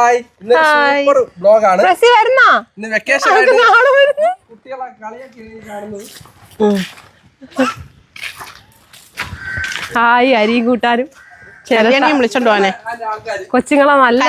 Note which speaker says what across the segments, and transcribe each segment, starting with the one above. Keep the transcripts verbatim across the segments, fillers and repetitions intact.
Speaker 1: Hi. ഇന്ന് super വ്ലോഗാണ്.
Speaker 2: പ്രസി വരുന്നോ?
Speaker 1: ഇന്ന് വെക്കേഷൻ ആയിട്ട് കുട്ടികളെ കളിയൊക്കെ കാണുന്നത്.
Speaker 2: ഹായ് അരിയും കൂട്ടാനും
Speaker 3: ചെറിയനെയും വിളിച്ചോണ്ട് പോനെ.
Speaker 2: കൊച്ചുങ്ങളെ നല്ല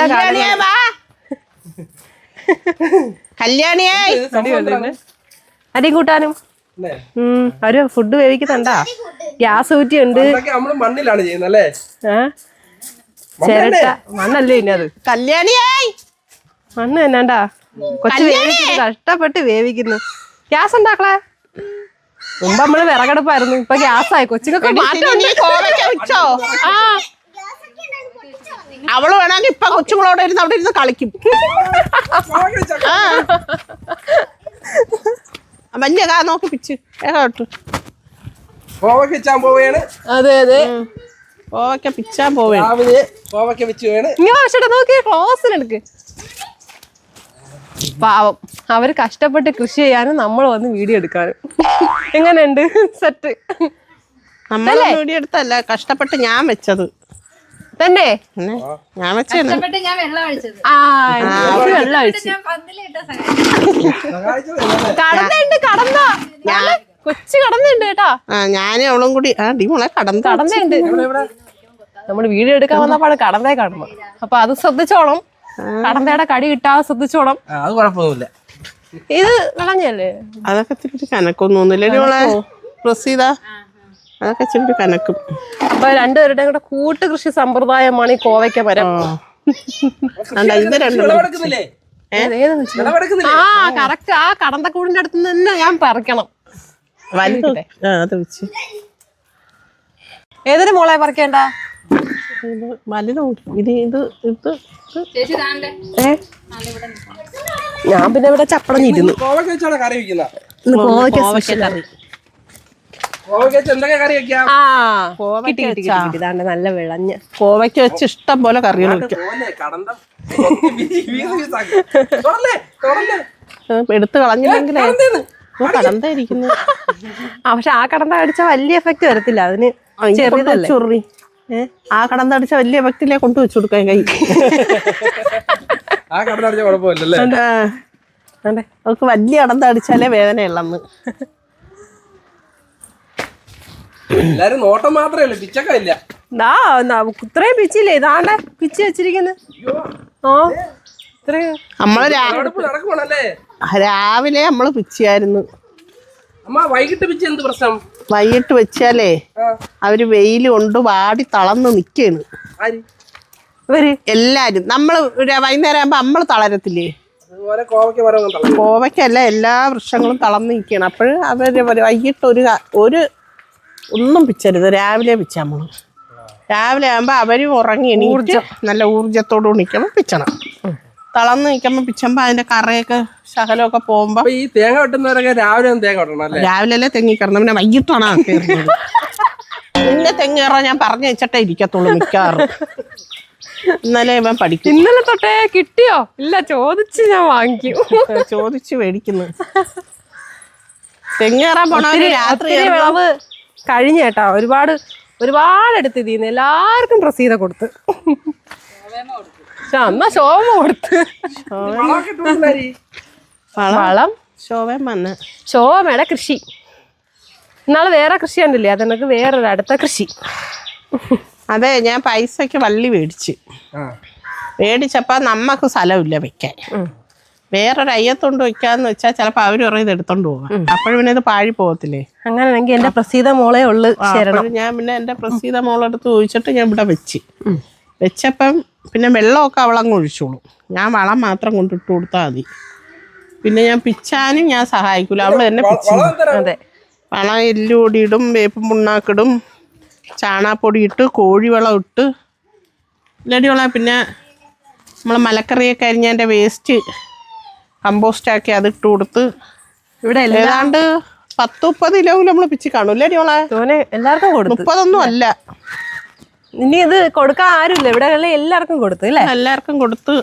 Speaker 3: കല്യാണിയായി
Speaker 2: അരിയും കൂട്ടാനും അവര് ഫുഡ് വേവിക്കുന്നുണ്ടാ. ഗ്യാസ് ഊറ്റിയുണ്ട്.
Speaker 1: നമ്മള് മണ്ണിലാണ് ചെയ്യുന്നത് അല്ലേ?
Speaker 2: ചിരട്ട മണ്ണല്ലേ ഇനി അത്.
Speaker 3: കല്യാണിയായി
Speaker 2: മണ്ണ് തന്നെണ്ടാ. കൊച്ചു വേവിക്കുന്നു, കഷ്ടപ്പെട്ട് വേവിക്കുന്നു. ഗ്യാസ് ഉണ്ടാക്കളെ. മുമ്പ് നമ്മള് വിറകടുപ്പായിരുന്നു, ഇപ്പൊ ഗ്യാസായി. കൊച്ചുങ്ങൾക്ക്
Speaker 3: വെച്ചോ? ആ അവള് വേണമെങ്കിൽ ഇപ്പൊ കൊച്ചുങ്ങളോട് ഇരുന്ന് അവിടെ ഇരുന്ന് കളിക്കും. വലിയ കാ നോക്കി പിച്ച് കേട്ടോ.
Speaker 1: കോവയ്ക്ക വെച്ചാൻ പോവുകയാണ്.
Speaker 2: അതെ അതെ
Speaker 3: കോവയ്ക്ക പിച്ചാൻ പോവുകയാണ്.
Speaker 1: രാവിലെ കോവയ്ക്ക വെച്ച് വേണ്.
Speaker 2: ഇങ്ങനെ വെച്ചിട്ട് നോക്കി ക്ലോസിലെടുക്ക്. പാവം അവര് കഷ്ടപ്പെട്ട് കൃഷി ചെയ്യാനും നമ്മൾ വന്ന് വീഡിയോ എടുക്കാനും. എങ്ങനെയുണ്ട് സെറ്റ്?
Speaker 3: നമ്മളെ വീഡിയോ എടുത്തല്ല, കഷ്ടപ്പെട്ട് ഞാൻ വെച്ചത്
Speaker 2: തന്നെ.
Speaker 3: ഞാൻ വെച്ചാണ്
Speaker 2: വെള്ളം ഒഴിച്ചു. കടന്നുണ്ട് കടന്ന കൊച്ചു കടന്നുണ്ട് കേട്ടോ.
Speaker 3: ആ ഞാനും അവളും കൂടി ആ ഡിമോളെ കടന്ന്
Speaker 2: കടന്നുണ്ട്. നമ്മള് വീഡിയോ എടുക്കാൻ വന്നപ്പോഴാണ് കടന്തേ കടന്നു. അപ്പൊ അത് ശ്രദ്ധിച്ചോണം. കടന്തയുടെ കടി കിട്ടാതെ ശ്രദ്ധിച്ചോണം.
Speaker 1: അത് കുഴപ്പമൊന്നുമില്ല.
Speaker 2: ഇത് കളഞ്ഞല്ലേ?
Speaker 3: അതൊക്കെ ഇച്ചിരി കനക്കൊന്നും തോന്നില്ല ഡിമോളെ. പ്രസീത അതൊക്കെ ഇച്ചിരി കനക്കും.
Speaker 2: അപ്പൊ രണ്ടുപേരുടെയും കൂടെ കൂട്ട് കൃഷി സമ്പ്രദായമാണ് ഈ കോവയ്ക്ക മരം.
Speaker 3: ഇത് രണ്ടും
Speaker 2: ആ കറക്റ്റ് ആ കടന്തക്കൂടിന്റെ അടുത്ത് തന്നെ ഞാൻ പറിക്കണം.
Speaker 3: അത് വെച്ച്
Speaker 2: ഏതൊരു മോളെ പറിക്കേണ്ട?
Speaker 3: വലുതും ഇത് ഇത് ഇത്
Speaker 2: ഞാൻ പിന്നെ ഇവിടെ ചപ്പടഞ്ഞിരുന്നു.
Speaker 1: കോവയ്ക്ക വെച്ചാണ് കറി വെക്കുന്ന.
Speaker 2: കറി
Speaker 1: കോവയ്ക്ക വെച്ച് എന്തൊക്കെ കറി വെക്കാം?
Speaker 2: ആ കിട്ടി കിട്ടി കിട്ടി. ഇതാണ്ട് നല്ല വിളഞ്ഞ്
Speaker 3: കോവയ്ക്ക വെച്ച് ഇഷ്ടം പോലെ കറികൾ വെക്കും. എടുത്ത് കളഞ്ഞില്ലെങ്കിലേ കടന്തായിരിക്കുന്നു.
Speaker 2: ആ പക്ഷെ ആ കടന്ത അടിച്ച വലിയ എഫക്ട് വരത്തില്ല. അതിന് ചെറിയതല്ലേ
Speaker 3: ചൊറി. ആ കടന്ത അടിച്ച വലിയ എഫക്റ്റിലേ കൊണ്ടു വെച്ചു കൊടുക്കാൻ കൈ.
Speaker 1: ആ കടന്ത അടിച്ച കുഴപ്പമില്ലല്ലേ?
Speaker 3: അവർക്ക് വലിയ കടന്ത അടിച്ചാലേ വേദനയുള്ളന്ന്.
Speaker 1: എല്ലാരും നോട്ടം മാത്രമേ ഉള്ളൂ, പിച്ചക്ക ഇല്ല.
Speaker 2: ഇത്രയും പിച്ചില്ലേ? ഇതാണ്ടെ പിച്ച് വെച്ചിരിക്കുന്നത്. ആ ഇത്രയും
Speaker 3: നമ്മള്
Speaker 1: നടക്കുവാണല്ലേ?
Speaker 3: രാവിലെ നമ്മള് പിച്ചിയായിരുന്നു.
Speaker 1: അമ്മ വൈകിട്ട് പിച്ച എന്ത് പ്രശ്നം?
Speaker 3: വൈകിട്ട് വെച്ചാലേ അവര് വെയില് കൊണ്ട് വാടി തളർന്ന് നിക്കാണ് എല്ലാരും. നമ്മള് വൈകുന്നേരം ആകുമ്പോ നമ്മള് തളരത്തില്ലേ? കോവയ്ക്കല്ല, എല്ലാ വൃക്ഷങ്ങളും തളർന്ന് നിൽക്കുകയാണ്. അപ്പോഴ് അവര് വൈകിട്ട് ഒരു ഒരു ഒന്നും പിച്ചരുത്, രാവിലെ പിച്ചാൽ നമ്മള്. രാവിലെ ആകുമ്പോ അവര് ഉറങ്ങി എണീറ്റ് നല്ല ഊർജത്തോട് നിൽക്കുമ്പോ പിച്ചണം. തളർന്ന് നിൽക്കുമ്പോ പിച്ചുമ്പോ അതിന്റെ കറയൊക്കെ ശകലമൊക്കെ പോകുമ്പോ.
Speaker 1: ഈ തേങ്ങ വെട്ടുന്നവരൊക്കെ രാവിലെ തേങ്ങ വെട്ടണം.
Speaker 3: രാവിലെ അല്ലേ തെങ്ങി കിടന്നത്, പിന്നെ വൈകിട്ടാണ് കയറുന്നത്. പിന്നെ തെങ്ങ് കയറാൻ ഞാൻ പറഞ്ഞു വെച്ചിട്ടേ ഇരിക്കത്തുള്ളൂ മിക്കാറും. ഇന്നലെ ഇവൻ പഠിക്കും.
Speaker 2: ഇന്നലെ തൊട്ടേ കിട്ടിയോ? ഇല്ല, ചോദിച്ച് ഞാൻ വാങ്ങിക്കും.
Speaker 3: ചോദിച്ച് മേടിക്കുന്നു. തെങ്ങ് കയറാൻ പോണവര് രാത്രി
Speaker 2: വിളവ് കഴിഞ്ഞ കേട്ടാ. ഒരുപാട് ഒരുപാട് എടുത്ത് ഇതിന്ന് എല്ലാവർക്കും പ്രസീത കൊടുത്ത്. എന്നാ ശോഭ കൊടുത്ത് വളം
Speaker 3: ശോഭം വന്ന്
Speaker 2: ശോഭയുടെ കൃഷി. ഇന്നാള് വേറെ കൃഷി കണ്ടില്ലേ? അതെനിക്ക് വേറൊരു അടുത്ത കൃഷി.
Speaker 3: അതെ, ഞാൻ പൈസക്ക് വള്ളി മേടിച്ച് മേടിച്ചപ്പോ നമ്മക്ക് സ്ഥലമില്ല വെക്കാൻ. വേറൊരു അയ്യത്തോണ്ട് വെക്കാന്ന് വെച്ചാൽ ചിലപ്പോ അവര് പറയും ഇത് എടുത്തോണ്ട് പോകാം. അപ്പോഴും പിന്നെ ഇത് പാഴി പോകത്തില്ലേ?
Speaker 2: അങ്ങനെയാണെങ്കിൽ എന്റെ പ്രസീത മോളെ ഉള്ളു.
Speaker 3: ഞാൻ പിന്നെ എന്റെ പ്രസീത മോളെടുത്ത് ചോദിച്ചിട്ട് ഞാൻ ഇവിടെ വെച്ച് വെച്ചപ്പം പിന്നെ വെള്ളമൊക്കെ അവളങ്ങ് ഒഴിച്ചോളും. ഞാൻ വളം മാത്രം കൊണ്ടിട്ട് കൊടുത്താൽ മതി. പിന്നെ ഞാൻ പിച്ചാനും ഞാൻ സഹായിക്കൂല, അവള് തന്നെ പിച്ചു.
Speaker 2: അതെ,
Speaker 3: വളം എല്ലുപൊടി ഇടും, വേപ്പും പുണ്ണാക്കിടും, ചാണാപ്പൊടി ഇട്ട്, കോഴിവളം ഇട്ട് ഇല്ലടിയോളാം. പിന്നെ നമ്മൾ മലക്കറിയൊക്കെ അരിഞ്ഞതിൻ്റെ വേസ്റ്റ് കമ്പോസ്റ്റാക്കി അതിട്ട് കൊടുത്ത്
Speaker 2: ഇവിടെ
Speaker 3: ഏതാണ്ട് പത്ത് മുപ്പത് കിലോ നമ്മൾ പിച്ചി കാണും. ഇല്ലടിയോളെ
Speaker 2: എല്ലാവർക്കും കൊടുത്തു.
Speaker 3: മുപ്പതൊന്നും അല്ല.
Speaker 2: ഇനി ഇത് കൊടുക്കാൻ ആരുമില്ല ഇവിടെ, എല്ലാവർക്കും കൊടുത്തു അല്ലേ?
Speaker 3: എല്ലാവർക്കും കൊടുത്ത്.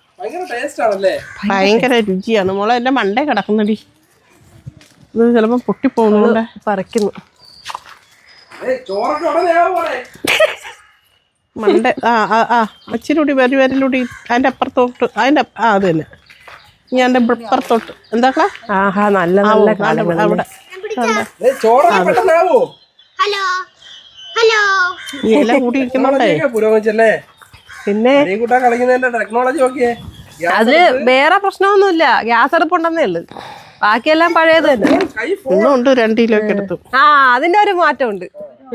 Speaker 3: ഭയങ്കര രുചിയാണ് മോളെ. എന്റെ മണ്ടേ കിടക്കുന്നടി. ഇത് ചിലപ്പോ പൊട്ടിപ്പോകുന്നുണ്ട്.
Speaker 2: പറിക്കുന്നു.
Speaker 3: മണ്ട ആ ആ ആ അച്ചിലൂടി വരി വരലൂടി അതിൻ്റെ അപ്പുറത്തോട്ട് അതിൻ്റെ ആ അത് തന്നെ ഞാൻ എൻ്റെ ഇപ്പുറത്തോട്ട് എന്താക്കളാ
Speaker 2: ആഹാ നല്ല നല്ല കാലങ്ങൾ
Speaker 3: അവിടെ
Speaker 1: ചോറൊക്കെ പെട്ടെന്നാവോ
Speaker 4: ഹലോ ഹലോ
Speaker 3: ഈ ഇല കൂടി ഇരിക്കുന്നുണ്ടേ
Speaker 1: പുരോഗമിച്ചല്ലേ
Speaker 2: പിന്നെ
Speaker 1: കൂട്ടാൻ കളിക്കുന്നതിന്റെ ടെക്നോളജി നോക്കിയേ
Speaker 2: അതില് വേറെ പ്രശ്നമൊന്നുമില്ല. ഗ്യാസ് അടുപ്പുണ്ടെന്നേ ഉള്ളു, ബാക്കിയെല്ലാം പഴയത് തന്നെ.
Speaker 1: കൈ
Speaker 3: ഒന്നും ഉണ്ട് രണ്ട് കിലോ ഒക്കെ എടുത്തു.
Speaker 2: ആ അതിന്റെ ഒരു മാറ്റമുണ്ട്.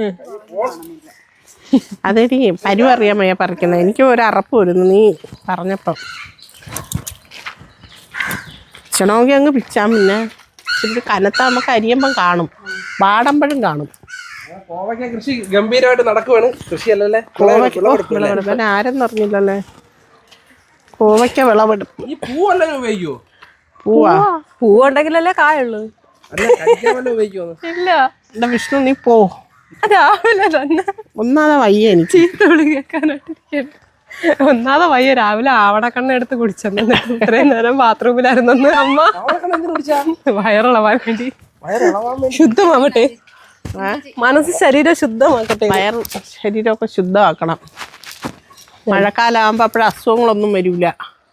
Speaker 3: അതെടി പരുവ് അറിയാൻ വയ്യ പറിക്കുന്നത്. എനിക്ക് ഒരു അറപ്പ് വരുന്നു നീ പറഞ്ഞപ്പം. പിച്ചണമെങ്കിൽ അങ്ങ് പിച്ചാൻ പിന്നെ ഇച്ചിരി കനത്ത നമുക്ക് അരിയുമ്പം കാണും, പാടുമ്പോഴും കാണും.
Speaker 1: കോവയ്ക്ക കൃഷി ഗംഭീരമായിട്ട് നടക്കുവാണ്. കൃഷിയല്ലേ
Speaker 3: കോവയ്ക്ക ആരെന്ന് പറഞ്ഞില്ലല്ലേ. കോവയ്ക്ക വിളവെടുപ്പ്.
Speaker 1: ഈ പൂവെല്ലാം ഉപയോഗിക്കുവോ?
Speaker 3: പൂവാ
Speaker 2: പൂവുണ്ടെങ്കിലല്ലേ കായുള്ളൂ.
Speaker 1: അല്ല കഴിക്കാൻ വല്ല ഉപയോഗിക്കുവോ?
Speaker 2: ഇല്ല.
Speaker 3: എന്റെ വിഷ്ണു നീ പോ,
Speaker 2: രാവിലെ തന്നെ
Speaker 3: ഒന്നാതെ വയ്യ എനിക്ക്
Speaker 2: ചീത്ത വിളി കേൾക്കാനായിട്ടിരിക്കുന്നു. ഒന്നാതെ വയ്യ, രാവിലെ ആവണക്കണ്ണ എടുത്ത് കുടിച്ചെന്നു. ഇത്രയും നേരം ബാത്റൂമിലായിരുന്നെന്ന് അമ്മ. വയറിളവാൻ വേണ്ടി ശുദ്ധമാവട്ടെ, മനസ്സ് ശരീരം ശുദ്ധമാക്കട്ടെ.
Speaker 3: വയർ ശരീരമൊക്കെ ശുദ്ധമാക്കണം. മഴക്കാലമാകുമ്പോൾ അപ്പോഴ അസുഖങ്ങളൊന്നും വരില്ല.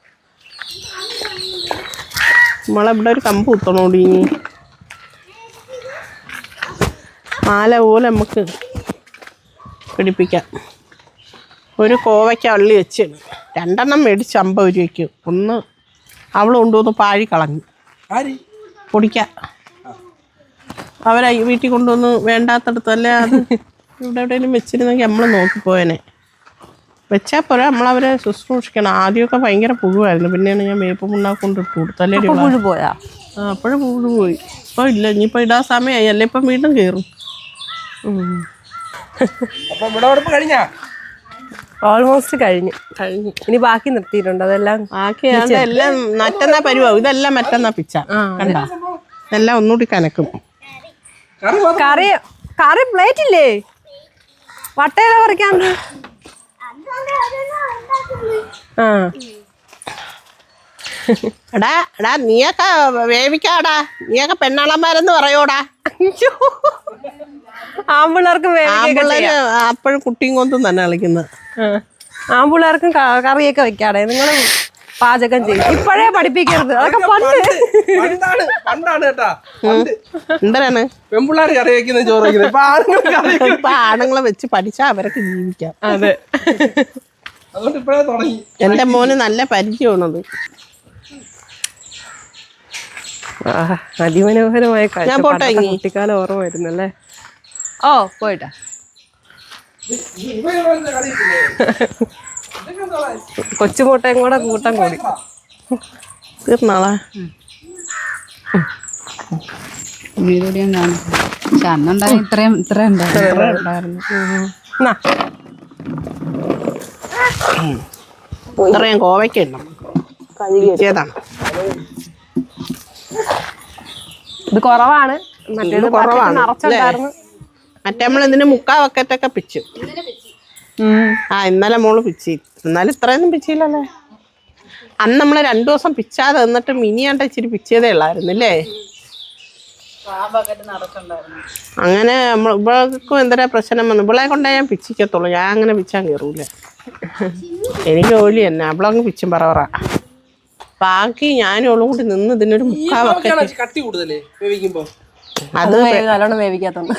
Speaker 3: നമ്മളിവിടെ ഒരു കമ്പ് കുത്തണോടി, മാല പോലെ നമുക്ക് പിടിപ്പിക്കാം. ഒരു കോവയ്ക്ക വള്ളി വെച്ച് രണ്ടെണ്ണം മേടിച്ച് അമ്പത് രൂപയ്ക്ക്. ഒന്ന് അവൾ കൊണ്ടുവന്ന് പാഴി കളഞ്ഞു പൊടിക്കാം. അവരെ വീട്ടിൽ കൊണ്ടുവന്ന് വേണ്ടാത്തടത്തല്ലേ അത് ഇവിടെ എവിടെയെങ്കിലും വെച്ചിരുന്നെങ്കിൽ നമ്മൾ നോക്കിപ്പോയനെ. വെച്ചാൽ പോരാ, നമ്മളവരെ ശുശ്രൂഷിക്കണം. ആദ്യമൊക്കെ ഭയങ്കര പുഴുവായിരുന്നു, പിന്നെയാണ് ഞാൻ വേപ്പ് മുണ്ടാക്കി കൊണ്ടിട്ട് കൊടുത്തല്ലേ.
Speaker 2: പുഴു പോയാ?
Speaker 3: ആ അപ്പോഴും പുഴു പോയി. ഇപ്പോൾ ഇല്ല, ഇനിയിപ്പോൾ ഇടാൻ സമയമായി അല്ലേ, ഇപ്പം വീണ്ടും കയറും.
Speaker 2: ഓൾമോസ്റ്റ് കഴിഞ്ഞു
Speaker 3: കഴിഞ്ഞു.
Speaker 2: ഇനി ബാക്കി നിർത്തിയിട്ടുണ്ട്, അതെല്ലാം
Speaker 3: ബാക്കി എല്ലാം മറ്റന്നാ പരുവാകും. ഇതെല്ലാം മറ്റന്നാ പിച്ച കണ്ട, ഇതെല്ലാം ഒന്നുകൂടി കനക്കും.
Speaker 2: കറി കറി പ്ലേറ്റ് ഇല്ലേ? വട്ടയില പറിക്കാണ്ട്. ആ
Speaker 3: എടാ എടാ നീയൊക്കെ വേവിക്കാടാ, നീയൊക്കെ പെണ്ണാളന്മാരെന്ന് പറയോടാ.
Speaker 2: ആമ്പിള്ളേർക്കും
Speaker 3: ആമ്പിള്ളേര് അപ്പോഴും കുട്ടിയും കൊണ്ടും തന്നെ കളിക്കുന്നത്.
Speaker 2: ആമ്പിള്ളേർക്കും കറിയൊക്കെ വെക്കാടെ. നിങ്ങൾ പാചകം ചെയ്യും. ഇപ്പോഴേ പഠിപ്പിക്കരുത്, അതൊക്കെ പണ്ട്
Speaker 1: പണ്ടാണ് കേട്ടാ.
Speaker 3: എന്തിനാണ്
Speaker 1: പെൺപിള്ളേർ കറി വെക്കുന്ന ചോറ് വെക്കുന്നത്?
Speaker 3: ഇപ്പൊ ആണുങ്ങളെ വെച്ച് പഠിച്ചാൽ അവരൊക്കെ ജീവിക്കാം.
Speaker 2: അതെ,
Speaker 1: അതുകൊണ്ട് ഇപ്പഴേ തുടങ്ങി.
Speaker 3: എന്റെ മോന് നല്ല പരിചയമാണത്.
Speaker 2: അതിമനോഹരമായ
Speaker 3: ഞാൻ പോട്ടെ,
Speaker 2: കുട്ടിക്കാലം ഓർമ്മ വരുന്നല്ലേ. ഓ പോയിട്ടാ. കൊച്ചുമുട്ടയും കൂടെ കൂട്ടം കൂടി
Speaker 3: തീർന്നാളാ.
Speaker 5: വീഡിയോ ഞാൻ കാണും. പക്ഷെ അന്നുണ്ടായി ഇത്രയും ഇത്ര ഉണ്ടായിരുന്നു.
Speaker 3: ഇത്രയും കോവയ്ക്ക ഉണ്ടോ കഴുകിയതാണ്.
Speaker 2: ഇത് കുറവാണ്, മറ്റേത്
Speaker 3: കുറവാണ്.
Speaker 2: നിറച്ചുണ്ടായിരുന്നു.
Speaker 3: മറ്റേ നമ്മൾ ഇതിന് മുക്കാ വക്കറ്റൊക്കെ പിച്ചു. ആ ഇന്നലെ മോള് പിച്ചി, എന്നാലും ഇത്രയൊന്നും പിച്ചില്ലല്ലേ. അന്ന് നമ്മൾ രണ്ടു ദിവസം പിച്ചാതെ എന്നിട്ട് മിനിയാണ്ട ഇച്ചിരി പിച്ചതേ ഉള്ളായിരുന്നു അല്ലേ. അങ്ങനെ നമ്മൾ ഇവൾക്കും എന്തൊരു പ്രശ്നം വന്നു. ഇവളെ കൊണ്ടേ ഞാൻ പിച്ചിക്കത്തുള്ളൂ, ഞാൻ അങ്ങനെ പിച്ചാൻ കയറൂല. എനിക്ക് ജോലി തന്നെ, അവളങ്ങ് പിച്ചും പറവറ. ബാക്കി ഞാനും അവളും കൂടി നിന്ന് ഇതിനൊരു മുക്കാ വക്കറ്റ്.
Speaker 1: കട്ടി കൂടുതലേ വേവിക്കുമ്പോ?
Speaker 2: അത് നല്ലോണം വേവിക്കാത്തോണ്ട്.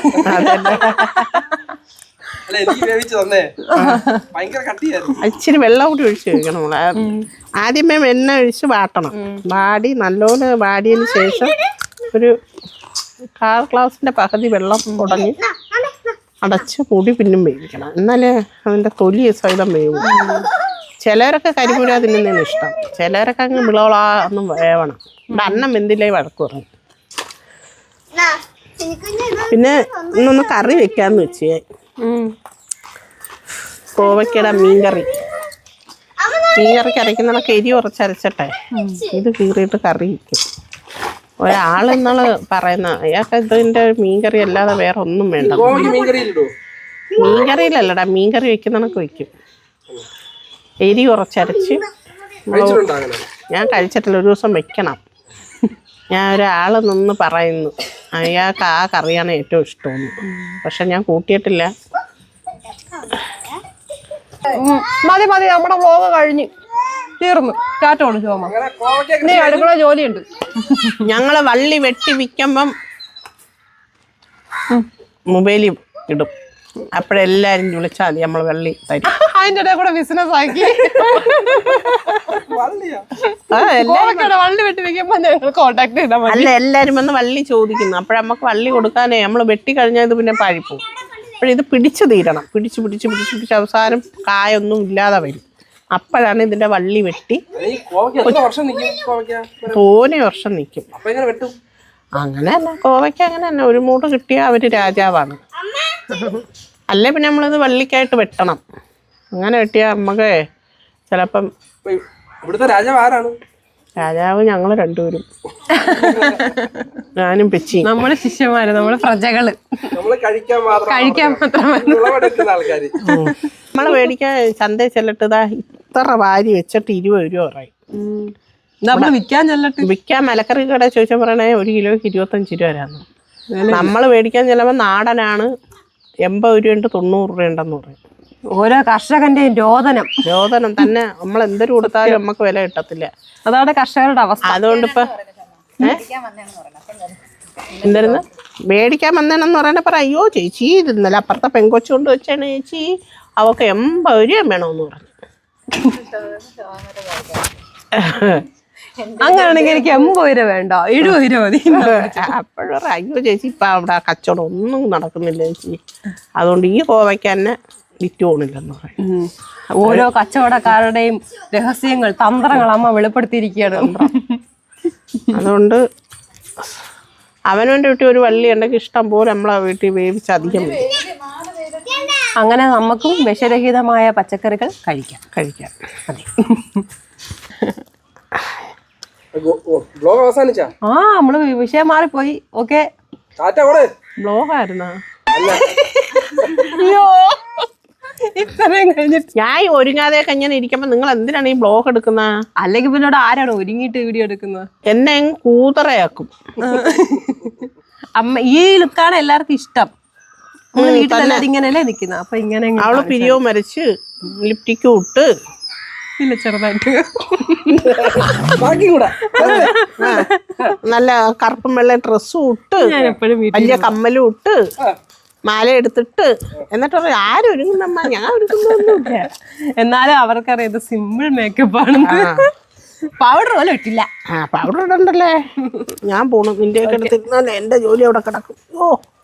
Speaker 3: ഇച്ചിരി വെള്ളം കൂടി ഒഴിച്ച് കഴിക്കണം നമ്മള്. ആദ്യമേ എണ്ണ ഒഴിച്ച് വാട്ടണം. വാടി നല്ലോണം വാടിയതിന് ശേഷം ഒരു കാൽ ഗ്ലാസിന്റെ പകുതി വെള്ളം ഉടഞ്ഞ് അടച്ച് മൂടി പിന്നും വേവിക്കണം. എന്നാലേ അതിന്റെ തൊലി സഹിതം വേവും. ചിലരൊക്കെ കരിമുര തിന്നുന്നതിന് ഇഷ്ടം, ചിലരൊക്കെ അങ്ങ് വിളവളാ ഒന്നും വേവണം. ഇവിടെ അന്നം വെന്തില്ലേ വഴക്ക് പറഞ്ഞു. പിന്നെ ഇന്നൊന്ന് കറി വെക്കാന്ന് വെച്ചേ. കോവയ്ക്കയുടെ മീൻകറി. മീൻകറിക്ക് അരയ്ക്കുന്നതൊക്കെ എരി കുറച്ചരച്ചട്ടെ ഇത് കീറിയിട്ട് കറി വയ്ക്കും. ഒരാളെന്നാള് പറയുന്ന അയാൾക്ക് ഇതിന്റെ മീൻകറി അല്ലാതെ വേറെ ഒന്നും വേണ്ട. മീൻകറിയിലല്ലടാ, മീൻകറി വെക്കുന്നതൊക്കെ വെക്കും. എരി കുറച്ചരച്ച്. ഞാൻ കഴിച്ചിട്ടില്ല, ഒരു ദിവസം വെക്കണം. ഞാൻ ഒരാൾ നിന്ന് പറയുന്നു അയാൾക്ക് ആ കറിയാണ് ഏറ്റവും ഇഷ്ടമെന്ന്. പക്ഷെ ഞാൻ കൂട്ടിയിട്ടില്ല.
Speaker 2: മതി മതി നമ്മുടെ വ്ലോഗ് കഴിഞ്ഞ് തീർന്നു. ടാറ്റ കൊടുത്തു പോകാം.
Speaker 1: അങ്ങനെ കോവയ്ക്ക
Speaker 2: ഇനി അടുക്കള ജോലിയുണ്ട്.
Speaker 3: ഞങ്ങള് വള്ളി വെട്ടി വിൽക്കുമ്പം മൊബൈലിൽ ഇടും. അപ്പോഴെല്ലാരും വിളിച്ചാൽ മതി, നമ്മൾ വെള്ളി തരും.
Speaker 2: അതിന്റെ ഇടയിൽ കൂടെ ബിസിനസ് ആക്കി
Speaker 1: വള്ളിയാ
Speaker 3: ആ,
Speaker 2: കോവയ്ക്കയുടെ വള്ളി വെട്ടി വെക്കുമ്പോ ഞങ്ങൾ കോണ്ടാക്ട് ചെയ്താൽ മതി.
Speaker 3: അല്ല, എല്ലാരും വന്ന് വള്ളി ചോദിക്കുന്നു. അപ്പോഴമ്മക്ക് വള്ളി കൊടുക്കാനേ നമ്മൾ വെട്ടി കഴിഞ്ഞാൽ ഇത് പിന്നെ പാഴിപ്പോവും. അപ്പോഴിത് പിടിച്ചു തീരണം. പിടിച്ച് പിടിച്ച് പിടിച്ച് പിടിച്ച് അവസാനം കായൊന്നും ഇല്ലാതെ വരും. അപ്പോഴാണ് ഇതിന്റെ വള്ളി വെട്ടി
Speaker 1: ഈ കോവയ്ക്ക എത്ര വർഷം നിൽക്കും? കോവയ്ക്ക
Speaker 3: തോനെ വർഷം നിൽക്കും.
Speaker 1: അപ്പൊ എങ്ങനെ വെട്ടും?
Speaker 3: അങ്ങനെ തന്നെ കോവയ്ക്ക് അങ്ങനെ തന്നെ ഒരു മൂട് കിട്ടിയാൽ അവര് രാജാവാണ്. അല്ലേ പിന്നെ നമ്മളിത് വള്ളിക്കായിട്ട് വെട്ടണം. അങ്ങനെ വെട്ടിയാൽ നമുക്ക് ചിലപ്പം
Speaker 1: ഇപ്പൊ ഇവിടുത്തെ രാജാവ് ആരാണ്?
Speaker 3: രാജാവ് ഞങ്ങൾ രണ്ടുപേരും, ഞാനും പെച്ചി.
Speaker 2: നമ്മള് ശിഷ്യന്മാര്, നമ്മള് പ്രജകള്,
Speaker 1: നമ്മള് കഴിക്കാൻ മാത്രം
Speaker 2: കഴിക്കാൻ മാത്രമല്ല.
Speaker 1: വിളവെടുക്കുന്ന ആൾക്കാര്.
Speaker 3: നമ്മള് മേടിക്കാൻ ചന്തയിൽ ചെല്ലിട്ട് ഇതാ ഇത്ര വാരി വെച്ചിട്ട് ഇരുപത് രൂപ പറയും.
Speaker 2: നമ്മള് വിൽക്കാൻ ചെല്ലട്ടെ.
Speaker 3: വിൽക്കാൻ മലക്കറി കട ചോദിച്ചാൽ പറയണേ ഒരു കിലോയ്ക്ക് ഇരുപത്തഞ്ച് രൂപ വരാന്ന്. നമ്മൾ മേടിക്കാൻ ചെല്ലുമ്പോൾ നാടനാണ് എൺപത് രൂപയുണ്ട്, തൊണ്ണൂറ് രൂപയുണ്ടെന്ന് പറയും.
Speaker 2: ഓരോ കർഷകന്റെയും രോദനം
Speaker 3: രോദനം തന്നെ. നമ്മൾ എന്തൊരു കൊടുത്താലും നമുക്ക് വില കിട്ടത്തില്ല.
Speaker 2: അതാണ് കർഷകരുടെ അവസ്ഥ.
Speaker 3: അതുകൊണ്ടിപ്പോ എന്തായിരുന്നു മേടിക്കാൻ വന്നേണെന്ന് പറയണ പറ അയ്യോ ചേച്ചി ഇത് ഇന്നലെ അപ്പുറത്തെ പെങ്കൊച്ചു കൊണ്ട് വെച്ചാണ് ചേച്ചി, അവക്ക് എൺപത് രൂപ വേണമെന്ന് പറഞ്ഞു.
Speaker 2: അങ്ങനെയാണെങ്കിൽ എനിക്ക് എൺപത് രൂപ വേണ്ട, എഴുപത് രൂപ മതി.
Speaker 3: അപ്പോഴും അയ്യോ ചേച്ചി ഇപ്പൊ അവിടെ കച്ചവടം ഒന്നും നടക്കുന്നില്ല ചേച്ചി, അതുകൊണ്ട് ഈ കോവയ്ക്ക് തന്നെ വിറ്റ് പോണില്ലെന്ന് പറയും.
Speaker 2: ഓരോ കച്ചവടക്കാരുടെയും രഹസ്യങ്ങൾ, തന്ത്രങ്ങൾ അമ്മ വെളിപ്പെടുത്തിയിരിക്കുകയാണ്.
Speaker 3: അതുകൊണ്ട് അവനവൻ്റെ വീട്ടിൽ ഒരു വള്ളി ഉണ്ടെങ്കിൽ ഇഷ്ടം പോലെ നമ്മളെ വീട്ടിൽ വേവിച്ച് അധികം വരും.
Speaker 2: അങ്ങനെ നമുക്കും വിഷരഹിതമായ പച്ചക്കറികൾ കഴിക്കാം
Speaker 3: കഴിക്കാൻ.
Speaker 2: അതെ.
Speaker 1: ബ്ലോഗ് അവസാനിച്ചാ?
Speaker 2: ആ നമ്മള് വിഷയം മാറിപ്പോയി. ഓക്കെ,
Speaker 1: ടാറ്റ കൂടെ.
Speaker 3: ബ്ലോഗായിരുന്നാ?
Speaker 2: അയ്യോ ഇത്രയും കഴിഞ്ഞിട്ട്
Speaker 3: ഞാൻ ഒരുങ്ങാതെ കഴിഞ്ഞാൽ ഇരിക്കുമ്പോ നിങ്ങൾ എന്തിനാണ് ഈ ബ്ലോഗ് എടുക്കുന്ന?
Speaker 2: അല്ലെങ്കിൽ പിന്നോട് ആരാണ് ഒരുങ്ങിയിട്ട് വീഡിയോ എടുക്കുന്നത്?
Speaker 3: എന്നെ അങ്ങ് കൂതറയാക്കും.
Speaker 2: അമ്മ ഈ ലുക്കാണ് എല്ലാവർക്കും ഇഷ്ടം. നമ്മള് വീട്ടിലെല്ലാരും ഇങ്ങനെയല്ലേ നിക്കുന്നത്. അപ്പൊ ഇങ്ങനെ
Speaker 3: അവള് പിരിയോ മരിച്ച് ലിപ്റ്റിക്കും ഇട്ട്
Speaker 2: ഇല്ല ചെറുതായിട്ട്
Speaker 1: ബാക്കി കൂടെ
Speaker 3: നല്ല കറുപ്പും വെള്ള ഡ്രസ്സും ഇട്ട്
Speaker 2: ഞാൻ എപ്പോഴും വീട്ടിൽ
Speaker 3: വലിയ കമ്മലും ഇട്ട് മാല എടുത്തിട്ട് എന്നിട്ട് പറയും ആരും ഒരുങ്ങുന്നമ്മ, ഞാൻ ഒരുങ്ങുന്നൊന്നുമില്ല.
Speaker 2: എന്നാലും അവർക്കറിയാം ഇത് സിമ്പിൾ മേക്കപ്പ് ആണെന്ന്. പൗഡർ പോലും ഇട്ടില്ല.
Speaker 3: ആ പൗഡർ ഇടണ്ടല്ലേ. ഞാൻ പോണു. നിന്റെ ഒക്കെ എടുത്തിരുന്നാലേ എന്റെ ജോലി അവിടെ കിടക്കും. ഓ